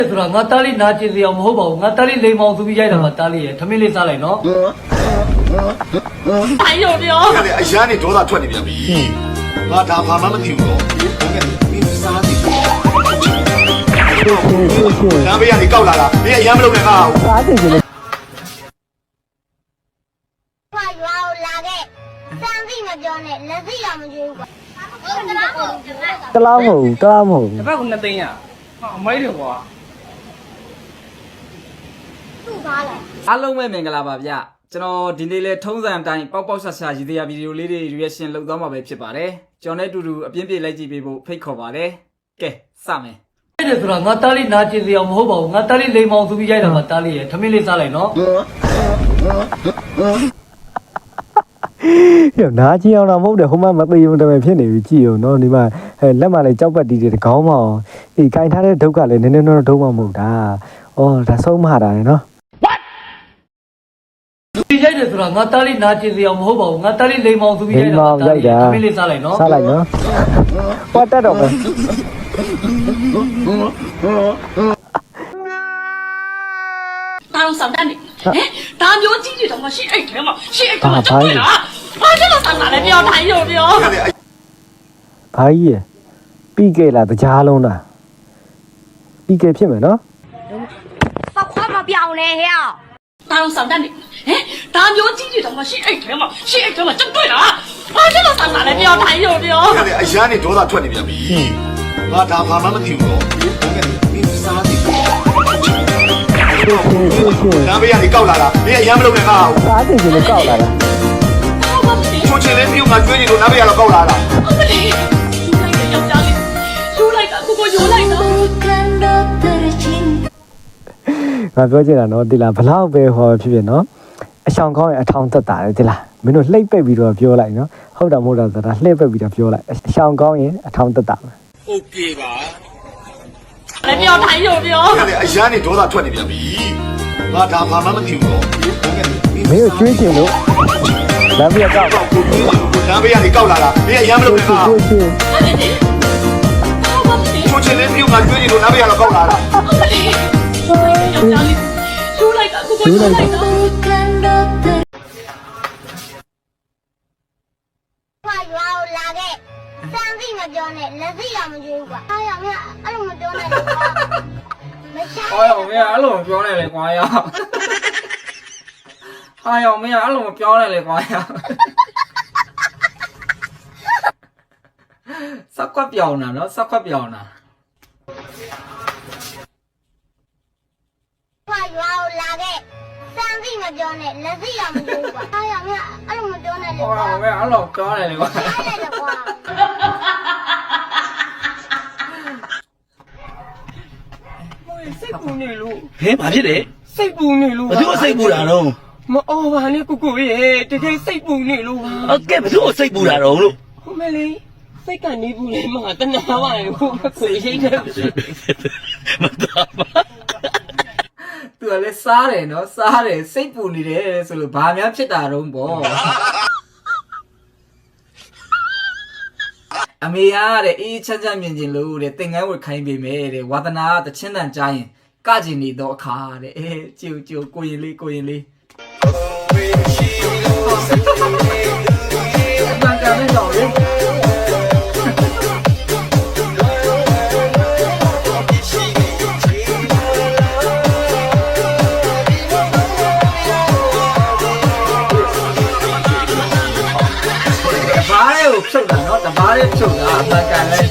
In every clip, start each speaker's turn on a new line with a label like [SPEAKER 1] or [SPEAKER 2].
[SPEAKER 1] ဆိုတော့ငါတားလေးနာကျင်စရာမဟုတ်ပါဘူးငါတားလေးလိမ်မောင်သူပြီးရိုက်တာမှာတားလေးရထမင်းလေးစားလိုက်နော်
[SPEAKER 2] 哎呦喵！
[SPEAKER 3] 看你哎呀，你多大ထွက်နေပြန်ပြီငါဒါဘာမှမသိဘူးတော့ဟုတ်ကဲ့မင်းစားနေလမ်းဘေးကနေကောက်လာတာမင်းအရမ်းမလုပ်နဲ့ငါ့ကို
[SPEAKER 4] စားတယ်လေ
[SPEAKER 5] 快ရွာကိုလာခဲ့စမ်းသိမပြောနဲ့လက်သိတော့မကြွေးဘူးကွာဟုတ်ကဲ့ပေါ့
[SPEAKER 4] တလားမဟုတ်တလားမဟုတ်
[SPEAKER 6] တစ်ဖက်က2သိန်းရဟာအမိုက်တယ်ကွာ
[SPEAKER 5] သူ့သားလဲ
[SPEAKER 6] အားလုံးပဲမင်္ဂလာပါဗျကျွန်တော်ဒီနေ့လဲထုံးစံအတိုင်းပေါက်ပေါက်ဆဆရည်သေးရဗီဒီယိုလေးတွေ reaction လုပ်သွားမှာပဲဖြစ်ပါတယ်ကျွန်တော်နဲ့အတူတူအပြင်းပြေလိုက်ကြည့်ပေးဖို့ဖိတ်ခေါ်ပါတယ်ကဲစမယ်
[SPEAKER 1] အဲ့ဒါဆိုတော့ငါတားလေးနာကျင်စရာမဟုတ်ပါဘူးငါတားလေးလိမ်မောင်သူပြီးရိုက်တာမှာတားလေးရထမင်းလေးစားလိုက်နော်
[SPEAKER 4] ရနားကြီးအောင်တော့မဟုတ်တယ်ဟိုမှမသိဘူးတမန်ဖြစ်နေပြီကြည့်အောင်နော်ဒီမှာလက်မှလည်းကြောက်ပတ်တီးတယ်ခေါင်းမအောင်ဒီကင်ထားတဲ့ဒုက္ခလည်းနည်းနည်းတော့ဒုက္ခမဟုတ်တာဩဒါဆုံးမတာလေနော်
[SPEAKER 1] ဒီရိုက်တယ်ဆိုတော့ငါတားလေးနာကျင်စရာမဟုတ်ပါဘူးငါတားလေးလိမ်မောင်သူပြီးရိုက်တာမှာတားလေးရထမင်းလေးစားလိုက်နော်
[SPEAKER 4] စားလိုက်နော်ဟောတက်တော့ပဲ
[SPEAKER 2] 大龙上蛋的，哎，大牛进去他妈是爱他妈是爱他妈真对了，啊，这个上哪来不要谈有没有？
[SPEAKER 3] 看你哎
[SPEAKER 4] ဘာကြီးရပြီးခဲ့လားတရားလုံးလားပြီးခဲ့ဖြစ်မယ်နော်
[SPEAKER 5] ဘာခွာမပြောင်းလဲဟဲ့
[SPEAKER 2] 大龙上蛋的，哎，大牛进去他妈是爱他妈是爱他妈真对了，啊，这个上哪来不要谈有没有？
[SPEAKER 3] 看你哎呀你多大ထွက်နေပြန်ပြီငါဒါဘာမှမသိဘူးတော့ဟုတ်ကဲ့မင်းစားနေလမ်းဘေးကနေကောက်လာတာမင်းအရမ်းမလုပ်နဲ့ငါ့ကို
[SPEAKER 4] စားတယ်ကြီးလည်းကောက်လာတာ
[SPEAKER 3] ချိုးချင်လေးပြုတ်ငါကျွေးနေလို့လမ်းဘေးကတော့ကောက်လာတာ
[SPEAKER 2] 我们嘞，有来个要家里，有来个姑姑有来个。
[SPEAKER 4] ငါပြောချင်တာနော်ဒီလားဘလောက်ပဲဟောဖြစ်ဖြစ်နော်အဆောင်ကောင်းရင်အထောင်သက်တာလေဒီလားမင်းတို့လှိမ့်ပက်ပြီးတော့ပြောလိုက်နော်ဟုတ်တာမဟုတ်တာဆိုတာလှိမ့်ပက်ပြီးတော့ပြောလိုက်အဆောင်ကောင်းရင်အထောင်သက်တာပဲ
[SPEAKER 3] โอเคပါ
[SPEAKER 2] 来不要谈有没有？
[SPEAKER 3] 看你哎呀你多大ထွက်နေပြန်ပြီငါဒါဘာမှမသိဘူးတော့ဟုတ်ကဲ့
[SPEAKER 4] မင်းတို့ကျွေးချင်လို့လမ်းပြကောက်
[SPEAKER 3] လမ်းဘေးကနေကောက်လာတာမင်းအရမ်းမလုပ်နဲ့ငါ့ကို
[SPEAKER 4] ကျွေးချင်
[SPEAKER 3] ချိုးချင်လေးပြုတ်ငါကျွေးနေလို့လမ်းဘေးကတော့ကောက်လာတာ
[SPEAKER 2] 要家里，有来个姑姑有来个。
[SPEAKER 5] 快ရွာကိုလာခဲ့စမ်းသိမပြောနဲ့လက်သိတော့မကြွေးဘူးကွာအားရမင်းအဲ့လိုမပြောနဲ့ကွာမရှား
[SPEAKER 6] ဟောရောမင်းအဲ့လိုမပြောနဲ့လေကွာရဟာရောမင်းအဲ့လိုမပြောနဲ့လေကွာရစက်ကွက်ပြောင်းတာနော်စက်ကွက်ပြောင်းတာ
[SPEAKER 5] 快ရွာကိုလာခဲ့စမ်းသိမပြောနဲ့လက်သိတော့မကြွေးဘူးကွာအားရမင်းအဲ့လိုမပြောနဲ့
[SPEAKER 6] ဟောရောမင်းအဲ့လိုပြောနဲ့လေကွာ
[SPEAKER 5] အားရတယ်ကွာ
[SPEAKER 6] စိတ်ပူနေလို့
[SPEAKER 7] ဟဲ့ဘာဖြစ်လဲ
[SPEAKER 6] စိတ်ပူနေလို့
[SPEAKER 7] ဘသူ့စိတ်ပူတာတော့
[SPEAKER 6] မအော်ပါနဲ့ကိုကိုရေတကယ်စိတ်ပူနေလို့ပါ
[SPEAKER 7] ဟုတ်ကဲ့ဘသူ့စိတ်ပူတာတော့လို့
[SPEAKER 6] ဟိုမဲလေးစိတ်ကနေပူနေမှာတနာပါရဲ့ဟိုဆွေရိတ်တယ်
[SPEAKER 7] မတော်ပါ
[SPEAKER 6] သူကလည်းစားတယ်နော်စားတယ်စိတ်ပူနေတယ်ဆိုလို့ဘာများဖြစ်တာတော့ပေါ့အမေရတဲ့အေးချမ်းချမ်းမြင်ကျင်လို့တဲ့သင်္ကန်းဝတ်ခိုင်းပေးမယ်တဲ့ဝါသနာကတချင်းတန်ကြားရင်ကကျင်နေတော့အခါတဲ့အဲကြိုကြိုကိုရင်လေးဘန်ကန်နဲ့တော့လေဘာလဲကိုဖြုတ်တာနော်တဘာလေးဖြုတ်တာအမှန်ကန်လဲ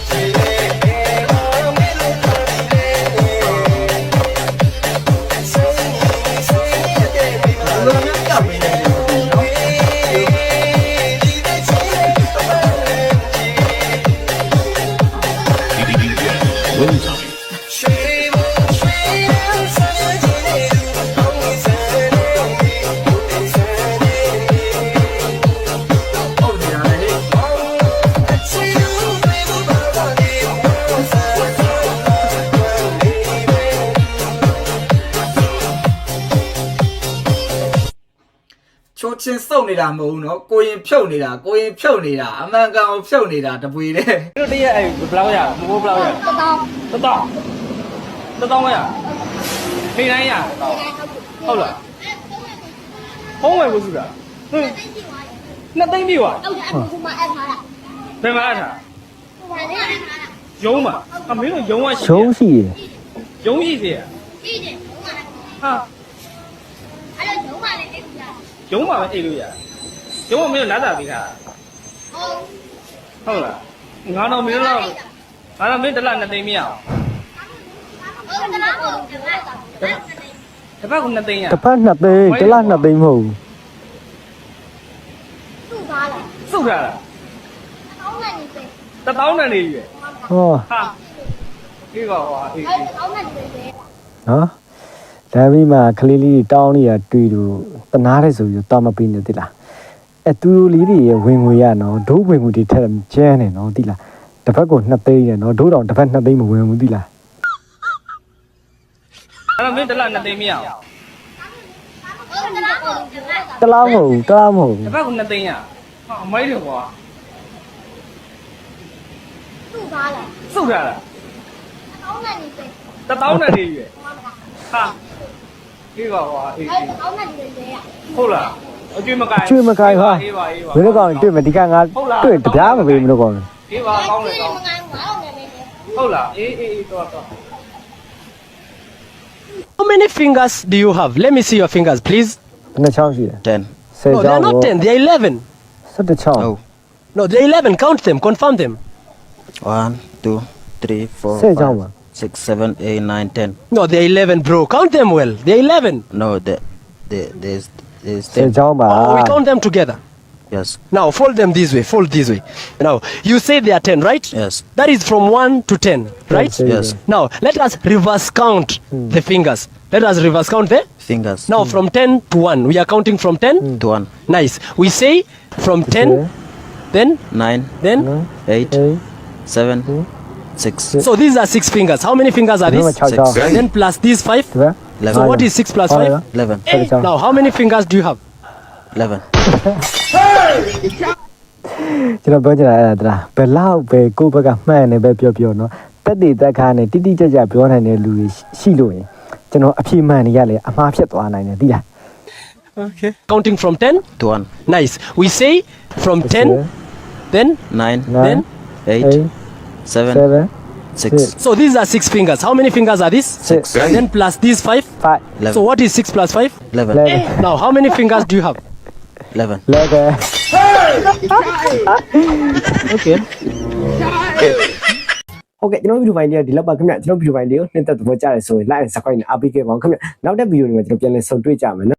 [SPEAKER 6] ချိုးချင်းစုပ်နေတာမဟုတ်ဘူးနော်ကိုရင်ဖြုတ်နေတာအမှန်ကန်ကိုဖြုတ်နေတာတပွေတဲ့တို့တရက်အဲ့ဘယ်လောက်ရမိုးဘယ်လောက်ရ1000
[SPEAKER 8] 1000ရထိတိုင်းရဟုတ်လားဖုံးဝယ်ဖို့စုတာဟင်း2သိန်းပြီကွာ
[SPEAKER 5] ဟုတ်တယ်အခုမှအဲ့ထားတာ
[SPEAKER 8] ဘယ်မှာအထား
[SPEAKER 5] ဟိုမှာလည်းအဲ့ထားတာ
[SPEAKER 8] ရုံးမှာအမင်းတို့ရုံးကရှိ
[SPEAKER 4] ရှုံးရှိရ
[SPEAKER 8] ရုံးရှိသေးရ
[SPEAKER 5] ကြီးတယ်ဟိုမှာ
[SPEAKER 8] ဟာ
[SPEAKER 5] အဲ့လိုလုံးဝလည်းအဲ့ဒါ
[SPEAKER 8] ရုံးမှာပဲအိတ်လို့ရရုံးကမင်းတို့လာတာပေးတာ
[SPEAKER 5] ဟုတ်
[SPEAKER 8] ဟုတ်လားငါတော့မင်းတို့တော့ငါတော့မင်းတစ်လ2သိန်းမရအောင်
[SPEAKER 5] ဟုတ်တယ်လားဟုတ်တယ်လား
[SPEAKER 8] တစ်ပတ်က2သိန်းရ
[SPEAKER 4] တစ်ဖက်2သိန်းတစ်လ2သိန်းမဟုတ်ဘူး
[SPEAKER 5] သူ့သားလား
[SPEAKER 8] စုတ်ထားတာ
[SPEAKER 5] တောင်းနေပြီ
[SPEAKER 8] 1000နဲ့နေပြီ
[SPEAKER 4] ဟော
[SPEAKER 8] ဟာဒီကဟွာအေး
[SPEAKER 5] အဲ့တောင်းနေပြီ
[SPEAKER 4] နော်ဒါပြီးမှကလေးလေးတောင်းနေတာတွေ့လို့တနာတယ်ဆိုပြီးတော့မပေးနေသလားအဲသူတို့လေးတွေရဲ့ဝင်ငွေရနော်ဒိုးဝင်ငွေတွေထက်ကျန်းနေနော်သိလားတစ်ဖက်ကို2သိန်းရနော်ဒိုးတောင်တစ်ဖက်2သိန်းမဝင်ဘူးသိလား
[SPEAKER 8] အဲ့တော့မင်းတစ်လ2သိန်းမရအောင်
[SPEAKER 5] ဟုတ်တယ်လားဟုတ်တယ်လား
[SPEAKER 4] တလားမဟုတ်ဘူးတလားမဟုတ်ဘူး
[SPEAKER 8] တစ်ပတ်က2သိန်းရဟာအမိုက်တယ်ကွာ
[SPEAKER 5] သူ့သားလား
[SPEAKER 8] စုတ်ထားတာ
[SPEAKER 5] တောင်းနေပြီ
[SPEAKER 8] 1000နဲ့နေပြီဟာဒီကဟွာအေး
[SPEAKER 5] အဲ့တောင်းနေပြီလေ
[SPEAKER 8] ဟုတ်လားအကျွေးမကိုင်
[SPEAKER 4] ကျွေးမကိုင်ဟာ
[SPEAKER 8] အေးပါအေးပါ
[SPEAKER 4] ဘယ်လိုကောင်တွေ့မယ်ဒီကငါတွေ့တပြားမပေးဘူးလို့ကောင်
[SPEAKER 8] အေးပါကောင်းတယ်ကောင်း
[SPEAKER 5] မငိုင်းဘူးအောင်နေနေ
[SPEAKER 8] ဟုတ်လားအေးအေးတော့တော့
[SPEAKER 9] How many fingers do you have? Let me see your fingers, please.
[SPEAKER 4] ဘယ်နှချောင်းရှိလဲ
[SPEAKER 7] 10
[SPEAKER 4] 10
[SPEAKER 9] No, they
[SPEAKER 4] ချော
[SPEAKER 9] are
[SPEAKER 4] င်း
[SPEAKER 9] not 10, they are 11.
[SPEAKER 4] 17ချောင်း
[SPEAKER 7] Oh
[SPEAKER 9] No, they are 11. Count them, confirm them.
[SPEAKER 7] 1 2 3 4
[SPEAKER 4] 10ချောင်းပါ
[SPEAKER 7] 5 6 7 8 9 10
[SPEAKER 9] No, they are 11, bro. Count them well. They are 11.
[SPEAKER 7] No there's
[SPEAKER 4] 10
[SPEAKER 7] 10
[SPEAKER 4] ချောင်းပါ
[SPEAKER 9] Oh, we count them together.
[SPEAKER 7] Yes
[SPEAKER 9] Now, fold them this way, fold this way. Now, you say they are 10, right?
[SPEAKER 7] Yes
[SPEAKER 9] That is from 1 to 10, right?
[SPEAKER 7] Yes.
[SPEAKER 9] Now, let us reverse count the fingers. Let us reverse count the.
[SPEAKER 7] Fingers
[SPEAKER 9] Now, from 10 to 1. We are counting from 10.
[SPEAKER 7] to 1
[SPEAKER 9] Nice. We say from 10, then,
[SPEAKER 7] 9
[SPEAKER 9] then.
[SPEAKER 7] 8 7 6
[SPEAKER 9] So these are 6 fingers. How many fingers are
[SPEAKER 4] ဒီမှာ
[SPEAKER 9] these?
[SPEAKER 4] 6ချောင်း
[SPEAKER 9] And then plus these 5.
[SPEAKER 4] ဒီဘက်
[SPEAKER 9] So what is 6 plus 5?
[SPEAKER 7] 11
[SPEAKER 4] 17ချောင်း
[SPEAKER 9] Now, how many fingers do you have?
[SPEAKER 7] 11
[SPEAKER 4] ကျွန်တော်ပြောချင်တာအဲ့ဒါဘယ်လောက်ပဲကိုယ့်ဘက်ကမှန်နေပဲပြောပြောနော်တက်တည်တက်ခါနဲ့တိတိကျကျပြောနိုင်တဲ့လူတွေရှိလို့ရင်ကျွန်တော်အပြည့်မှန်နေရလေအမှားဖြစ်သွားနိုင်တယ်သိလား
[SPEAKER 9] Okay. Counting from 10.
[SPEAKER 7] to 1
[SPEAKER 9] Nice. We say from 10, then,
[SPEAKER 7] 9
[SPEAKER 9] then.
[SPEAKER 7] 8 7
[SPEAKER 4] 7
[SPEAKER 7] 6
[SPEAKER 9] So these are 6 fingers. How many fingers are these?
[SPEAKER 4] 6
[SPEAKER 9] And then plus these 5.
[SPEAKER 4] 5
[SPEAKER 7] 11
[SPEAKER 9] So what is 6 plus 5?
[SPEAKER 7] 11
[SPEAKER 4] 11
[SPEAKER 9] Now, how many fingers do you have?
[SPEAKER 7] 11
[SPEAKER 4] 11
[SPEAKER 9] Okay.
[SPEAKER 4] ဟုတ်ကဲ့ကျွန်တော်ဗီဒီယိုဖိုင်လေးကဒီလောက်ပါခင်ဗျကျွန်တော်ဗီဒီယိုဖိုင်လေးကိုနှစ်သက်သဘောကျတယ်ဆိုရင် like and subscribe နဲ့အားပေးခဲ့ပါဦးခင်ဗျနောက်တဲ့ဗီဒီယိုတွေမှာကျွန်တော်ပြန်လည်ဆုံတွေ့ကြမယ်နော်